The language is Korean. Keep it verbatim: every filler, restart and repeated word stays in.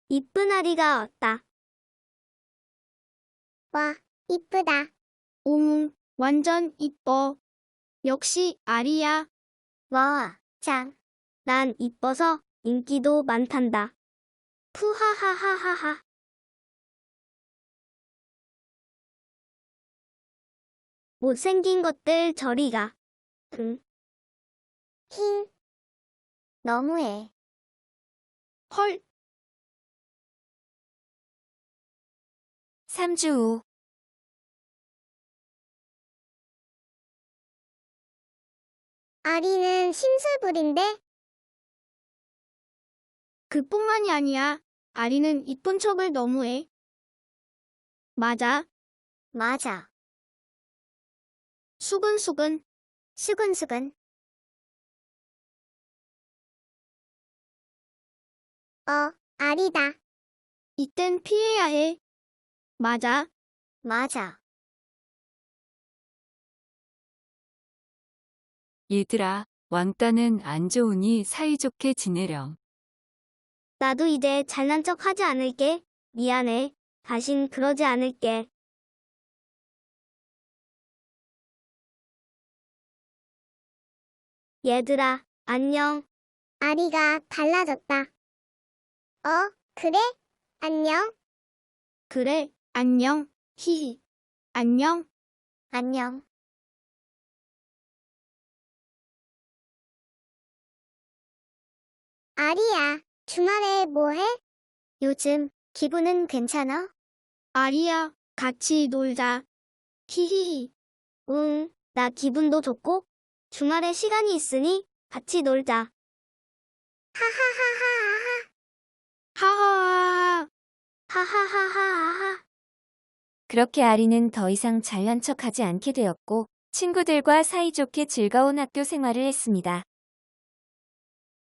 이쁜 아리가 왔다. 와, 이쁘다. 응, 완전 이뻐. 역시 아리야. 와, 짱. 난 이뻐서 인기도 많단다. 푸하하하하하. 못생긴 것들 저리 가. 응. 힝. 너무해. 헐. 삼 주 후. 아리는 심술부린데? 그뿐만이 아니야. 아리는 이쁜 척을 너무해. 맞아. 맞아. 수근수근. 수근수근. 어, 아리다. 이땐 피해야 해. 맞아. 맞아. 얘들아, 왕따는 안 좋으니 사이좋게 지내렴. 나도 이제 잘난 척 하지 않을게. 미안해. 다신 그러지 않을게. 얘들아, 안녕. 아리가 달라졌다. 어, 그래? 안녕? 그래, 안녕. 히히. 안녕. 안녕. 아리야, 주말에 뭐 해? 요즘 기분은 괜찮아? 아리야, 같이 놀자. 히히히. 응, 나 기분도 좋고, 주말에 시간이 있으니 같이 놀자. 하하하하하하. 하하하하. 하하하하하. 그렇게 아리는 더 이상 잘난 척하지 않게 되었고 친구들과 사이좋게 즐거운 학교 생활을 했습니다.